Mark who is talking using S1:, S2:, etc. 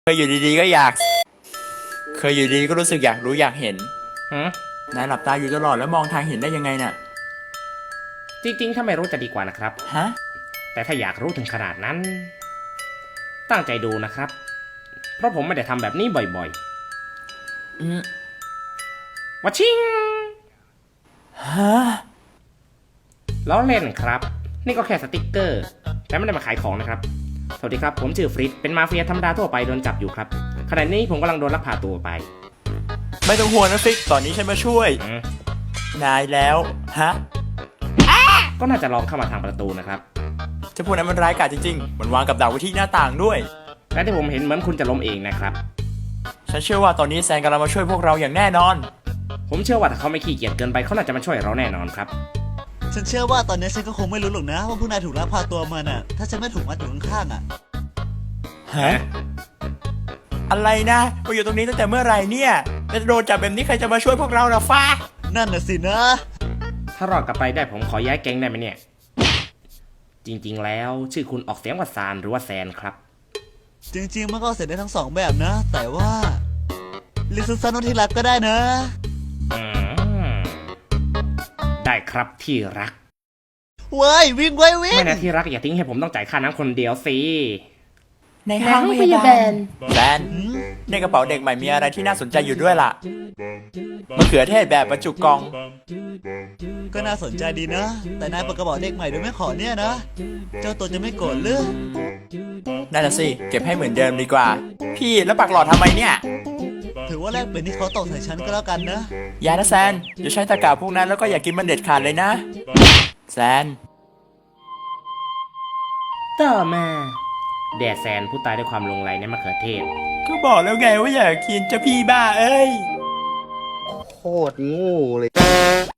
S1: ยอยู่ดีๆก็อยาก เคยอยู่ดีก็รู้สึกอยากรู้อยากเห็นนายหลับตาอยู่ตลอดแล้วมองทางเห็นได้ยังไงน่ะ
S2: จริงๆถ้าไม่รู้จะดีกว่านะครับ
S1: ฮะ
S2: แต่ถ้าอยากรู้ถึงขนาดนั้นตั้งใจดูนะครับเพราะผมไม่ได้ทำแบบนี้บ่อยๆวัชชิง
S1: ฮะ
S2: ล้อเล่นครับนี่ก็แค่สติกเกอร์แต่ไม่ได้มาขายของนะครับสวัสดีครับผมชื่อฟริตเป็นมาเฟียธรรมดาทั่วไปโดนจับอยู่ครับขณะนี้ผมกำลังโดนลักพาตัวไป
S1: ไม่ต้องห่วงนะฟิกตอนนี้ฉันมาช่วยนายแล้วฮะ
S2: ก็น่าจะลองเข้ามาทางประตูนะครับ
S1: จะพูดนั้นมันร้ายกาจจริงๆมันวางกับดักไว้ที่หน้าต่างด้วย
S2: และที่ผมเห็นเหมือนคุณจะล้มเองนะครับ
S1: ฉันเชื่อว่าตอนนี้แซนกำลังมาช่วยพวกเราอย่างแน่นอน
S2: ผมเชื่อว่าถ้าเขาไม่ขี้เกียจเกินไปเขาน่าจะมาช่วยเราแน่นอนครับ
S3: ฉันเชื่อว่าตอนนี้ฉันก็คงไม่รู้หรอกนะว่าผู้นายถูกลักพาตัวมาน่ะถ้าฉันไม่ถูกมัดอยู่ข้างๆอ่ะ
S1: ฮะอะไรนะมาอยู่ตรงนี้ตั้งแต่เมื่อไหร่เนี่ยแล้วโดนจับแบบนี้ใครจะมาช่วยพวกเราล่ะฟ้า
S3: นั่นน่ะสินะ
S2: ถ้ารอดกลับไปได้ผมขอย้ายแก๊งได้ไหมเนี่ยจริงๆแล้วชื่อคุณออกเสียงว่าซานหรือว่าแซนครับ
S3: จริงๆมันก็เสร็จได้ทั้งสองแบบนะแต่ว่าลิซูซานที่รักก็ได้นะ
S2: ได้ครับที่รัก
S3: เว้ยวิ่งไว้วิ่ง
S2: ไม่นะที่รักอย่าทิ้งให้ผมต้องจ่ายค่าน้ำคนเดียวสิ
S1: ในห้องพยาบาลแซนในกระเป๋าเด็กใหม่มีอะไรที่น่าสนใจอยู่ด้วยล่ะมะเขือเทศแบบบรรจุกล่อง
S3: ก็น่าสนใจดีนะแต่นายเปิดกระเป๋าเด็กใหม่โดยไม่ขอเนี่ยนะเจ้าตัวจะไม่โกรธหรือ
S1: นั่นน่ะสิเก็บให้เหมือนเดิมดีกว่าพี่แล้วปักหลอดทำไมเนี่ย
S3: ถือว่าแลกเป็นที่เขาตกใส่ฉันก็แล้วกันนะ
S1: อย่านะแซนอย่าใช้ตะกร้าพวกนั้นแล้วก็อย่ากินมันเด็ดขาดเลยนะแซน
S2: ต่อมาแดดแซนผู้ตายด้วยความลงไหลในมะเขือเทศ
S1: ก็บอกแล้วไงว่าอย่ากินจะพี่บ้าเอ้ย
S3: โคตรงูเลย